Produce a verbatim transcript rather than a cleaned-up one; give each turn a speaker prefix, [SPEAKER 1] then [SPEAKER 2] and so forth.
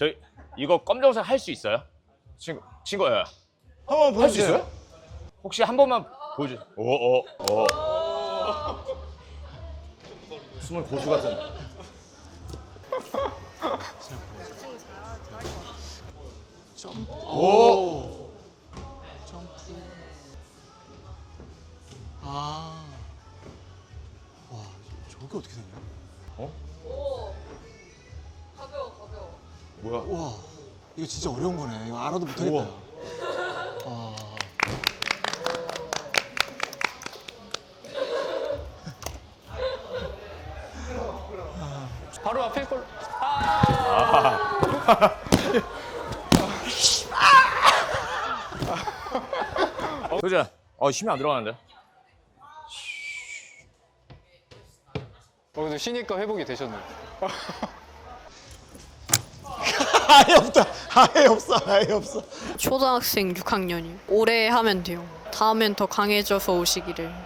[SPEAKER 1] 저희 이거 검정색 할 수 있어요? 친구 친구야.
[SPEAKER 2] 한번
[SPEAKER 1] 할 수
[SPEAKER 2] 보여주세요.
[SPEAKER 1] 있어요? 혹시 한 번만 보여주. 오오 오. 숨은 고수 같은.
[SPEAKER 2] 오. 점프. 아. 와, 저게 어떻게 되냐?
[SPEAKER 1] 뭐야?
[SPEAKER 2] 와, 이거 진짜 어려운 거네. 이거 알아도 못하겠다.
[SPEAKER 1] 우와.
[SPEAKER 2] 아.
[SPEAKER 3] 바로 앞에 걸.
[SPEAKER 1] 효자. 어 힘이 안 들어가는데.
[SPEAKER 3] 어, 근데 쉬니까 회복이 되셨네.
[SPEAKER 2] 아예 없다. 아예 없어. 아예 없어.
[SPEAKER 4] 초등학생 육 학년이요. 올해 하면 돼요. 다음엔 더 강해져서 오시기를.